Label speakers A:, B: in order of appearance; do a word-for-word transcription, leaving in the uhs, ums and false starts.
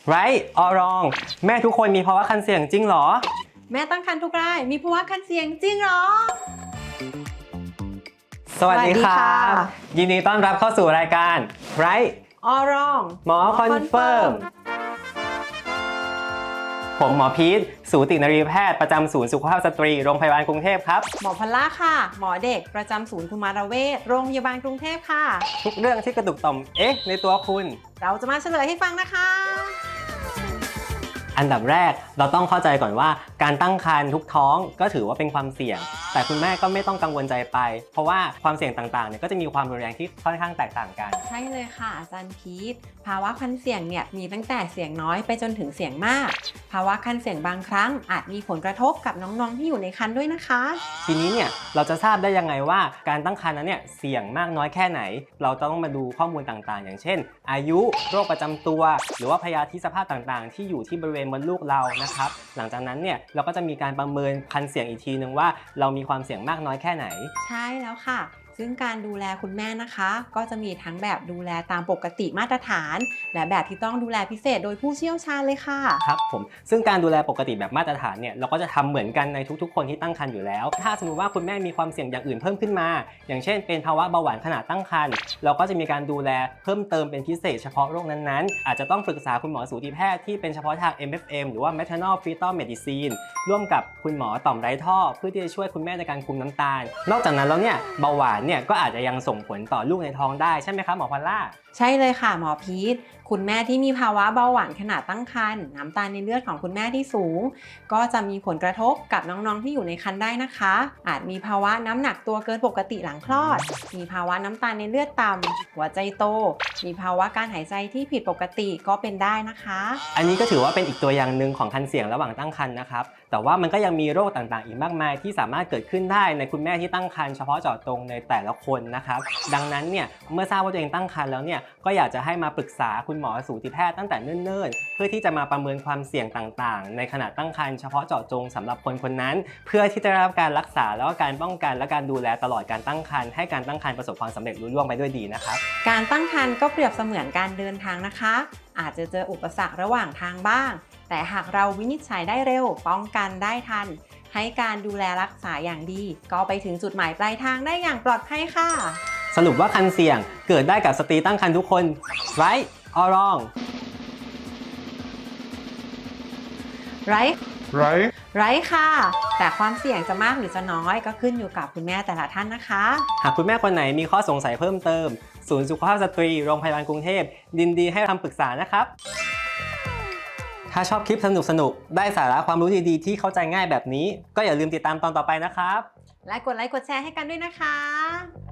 A: right or wrong แม่ทุกคนมีภาวะคันเสี่ยงจริงหรอ
B: แม่ตั้งครรภ์ทุกรายมีภาวะคันเสี่ยงจริงหรอ
A: สวัสดีครับยินดีต้อนรับเข้าสู่รายการ right
B: or wrong
A: หมอคอนเฟิร์มผมหมอพีทสูตินรีแพทย์ประจำศูนย์สุขภาพสตรีโรงพยาบาลกรุงเทพครับ
B: หมอพลล่าค่ะหมอเด็กประจำศูนย์กุมารเวชโรงพยาบาลกรุงเทพค่ะ
A: ทุกเรื่องที่กระตุกต่อมเอ๊ะในตัวคุณ
B: เราจะมาเฉลยให้ฟังนะคะ
A: อันดับแรกเราต้องเข้าใจก่อนว่าการตั้งครรภ์ทุกท้องก็ถือว่าเป็นความเสี่ยงแต่คุณแม่ก็ไม่ต้องกังวลใจไปเพราะว่าความเสี่ยงต่างๆเนี่ยก็จะมีความรุนแรงที่ค่อนข้างแตกต่างกัน
B: ใช่เลยค่ะอาจารย์พีทภาวะคันเสี่ยงเนี่ยมีตั้งแต่เสี่ยงน้อยไปจนถึงเสี่ยงมากภาวะคันเสี่ยงบางครั้งอาจมีผลกระทบกับน้องๆที่อยู่ในครรภ์ด้วยนะคะ
A: ทีนี้เนี่ยเราจะทราบได้ยังไงว่าการตั้งครรภ์นั้นเนี่ยเสี่ยงมากน้อยแค่ไหนเราต้องมาดูข้อมูลต่างๆอย่างเช่นอายุโรคประจำตัวหรือว่าพยาธิสภาพต่างๆที่อยู่ที่บริเวณมดลูกเรานะครับหลังจากนั้นเนี่ยเราก็จะมีการประเมินคันเสี่ยงอีกทีนึงว่าเรามีความเสี่ยงมากน้อยแค่ไหน
B: ใช่แล้วค่ะซึ่งการดูแลคุณแม่นะคะก็จะมีทั้งแบบดูแลตามปกติมาตรฐานและแบบที่ต้องดูแลพิเศษโดยผู้เชี่ยวชาญเลยค่ะ
A: ครับผมซึ่งการดูแลปกติแบบมาตรฐานเนี่ยเราก็จะทำเหมือนกันในทุกๆคนที่ตั้งครรภ์อยู่แล้วถ้าสมมติว่าคุณแม่มีความเสี่ยงอย่างอื่นเพิ่มขึ้นมาอย่างเช่นเป็นภาวะเบาหวานขณะตั้งครรภ์เราก็จะมีการดูแลเพิ่มเติมเป็นพิเศษเฉพาะโรคนั้นๆอาจจะต้องปรึกษาคุณหมอสูติแพทย์ที่เป็นเฉพาะทาง เอ็ม เอฟ เอ็ม หรือว่า Maternal Fetal Medicine ร่วมกับคุณหมอต่อมไร้ท่อเพื่อที่จะช่วยคุณแม่ในการคุมน้ำตาลนอกจากนั้นแล้วเนี่ยเบาหวานเนี่ยก็อาจจะยังส่งผลต่อลูกในท้องได้ใช่ไหมครับหมอพอลล่า
B: ใช่เลยค่ะหมอพีทคุณแม่ที่มีภาวะเบาหวานขณะตั้งครรภ์น้ำตาลในเลือดของคุณแม่ที่สูงก็จะมีผลกระทบกับน้องๆที่อยู่ในครรภ์ได้นะคะอาจมีภาวะน้ำหนักตัวเกินปกติหลังคลอดมีภาวะน้ำตาลในเลือดต่ำหัวใจโตมีภาวะการหายใจที่ผิดปกติก็เป็นได้นะคะ
A: อันนี้ก็ถือว่าเป็นอีกตัวอย่างหนึ่งของคันเสี่ยงระหว่างตั้งครรภ์นะครับแต่ว่ามันก็ยังมีโรคต่างๆอีกมากมายที่สามารถเกิดขึ้นได้ในคุณแม่ที่ตั้งครรภ์เฉพาะเจาะจงในแต่ละคนนะครับดังนั้นเนี่ยเมื่อทราบว่าตัวเองตั้งครรภ์แล้วเนี่ยก็อยากจะให้มาปรึกษาคุณหมอสูติแพทย์ตั้งแต่เนิ่นๆเพื่อที่จะมาประเมินความเสี่ยงต่างๆในขณะตั้งครรภ์เฉพาะเจาะจงสำหรับคนคนนั้นเพื่อที่จะได้รับการรักษาแล้วก็การป้องกันและการดูแลตลอดการตั้งครรภ์ให้การตั้งครรภ์ประสบความสำเร็จรุ่ล่วงไปด้วยดีนะครับ
B: การตั้งครรภ์ก็เปรียบเสมือนการเดินทางนะคะอาจจะเจออุปสรรคระหว่างทางบ้างแต่หากเราวินิจฉัยได้เร็วป้องกันได้ทันให้การดูแลรักษาอย่างดีก็ไปถึงจุดหมายปลายทางได้อย่างปลอดภัยค่ะ
A: สรุปว่าคันเสี่ยงเกิดได้กับสตรีตั้งครรภ์ทุกคน right or wrong
B: right
C: right
B: right ค่ะแต่ความเสี่ยงจะมากหรือจะน้อยก็ขึ้นอยู่กับคุณแม่แต่ละท่านนะคะ
A: หากคุณแม่คนไหนมีข้อสงสัยเพิ่มเติมศูนย์สุขภาพสตรีโรงพยาบาลกรุงเทพยินดีให้คำปรึกษานะครับถ้าชอบคลิปสนุกๆได้สาระความรู้ดีๆที่เข้าใจง่ายแบบนี้ก็อย่าลืมติดตามตอนต่อไปนะครับ
B: และกดไลค์กดแชร์ให้กันด้วยนะคะ